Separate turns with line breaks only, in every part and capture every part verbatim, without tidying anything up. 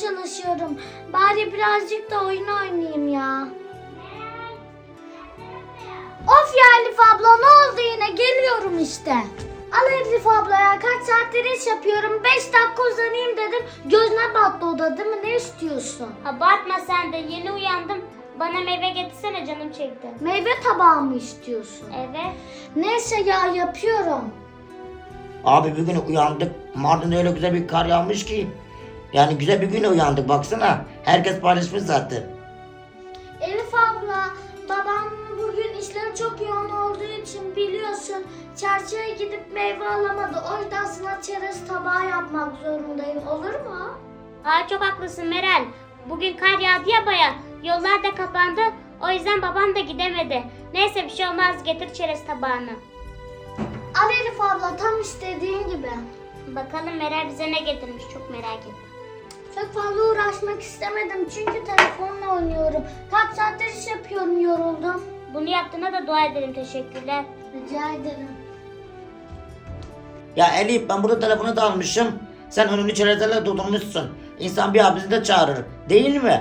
çalışıyorum. Bari birazcık da oyun oynayayım ya. Of ya Elif abla, ne oldu yine? Geliyorum işte. Al Elif abla ya, kaç saattir iş yapıyorum. beş dakika uzanayım dedim. Gözüne battı o da, değil mi? Ne istiyorsun?
Abartma sen de, yeni uyandım. Bana meyve getirsene, canım çekti.
Meyve tabağı mı istiyorsun?
Evet.
Neyse ya, yapıyorum.
Abi bir gün uyandık. Mardin'de öyle güzel bir kar yağmış ki. Yani güzel bir güne uyandık baksana. Herkes paylaşmış zaten.
Elif abla, babam bugün işleri çok yoğun olduğu için biliyorsun çarşıya gidip meyve alamadı. O yüzden sana çerez tabağı yapmak zorundayım. Olur mu?
Aa, çok haklısın Meral. Bugün kar yağdı ya baya. Yollar da kapandı. O yüzden babam da gidemedi. Neyse, bir şey olmaz, getir çerez tabağını.
Al Elif abla, tam istediğin gibi.
Bakalım Meral bize ne getirmiş, çok merak ettim.
Çok fazla uğraşmak istemedim çünkü telefonla oynuyorum. Kaç saattir iş yapıyorum, yoruldum.
Bunu yaptığına da dua ederim, teşekkürler.
Rica ederim.
Ya Elif, ben burada telefonu da almışım. Sen önünü çerezlerle doldurmuşsun. İnsan bir abisi de çağırır. Değil mi?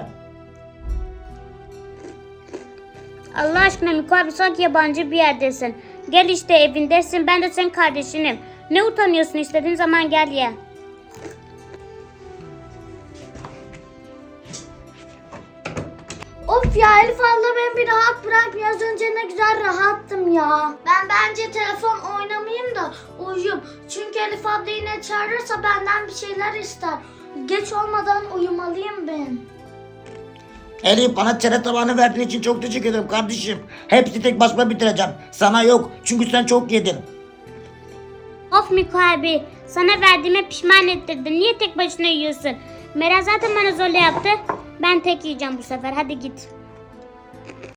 Allah aşkına Miko abi, sanki yabancı bir yerdesin. Gel işte, evindesin, ben de senin kardeşinim. Ne utanıyorsun, istediğin zaman gel ye.
Of ya Elif abla, beni bir rahat bırak. Biraz önce ne güzel rahattım ya. Ben bence telefon oynamayayım da uyuyayım. Çünkü Elif abla yine çağırırsa benden bir şeyler ister. Geç olmadan uyumalıyım ben.
Elif, bana çerez tabağını verdiğin için çok teşekkür ederim kardeşim. Hepsi tek başıma bitireceğim. Sana yok. Çünkü sen çok yedin.
Of Miko abi, sana verdiğime pişman ettirdin. Niye tek başına yiyorsun? Meral zaten bana zorla yaptı. Ben tek yiyeceğim bu sefer, hadi git.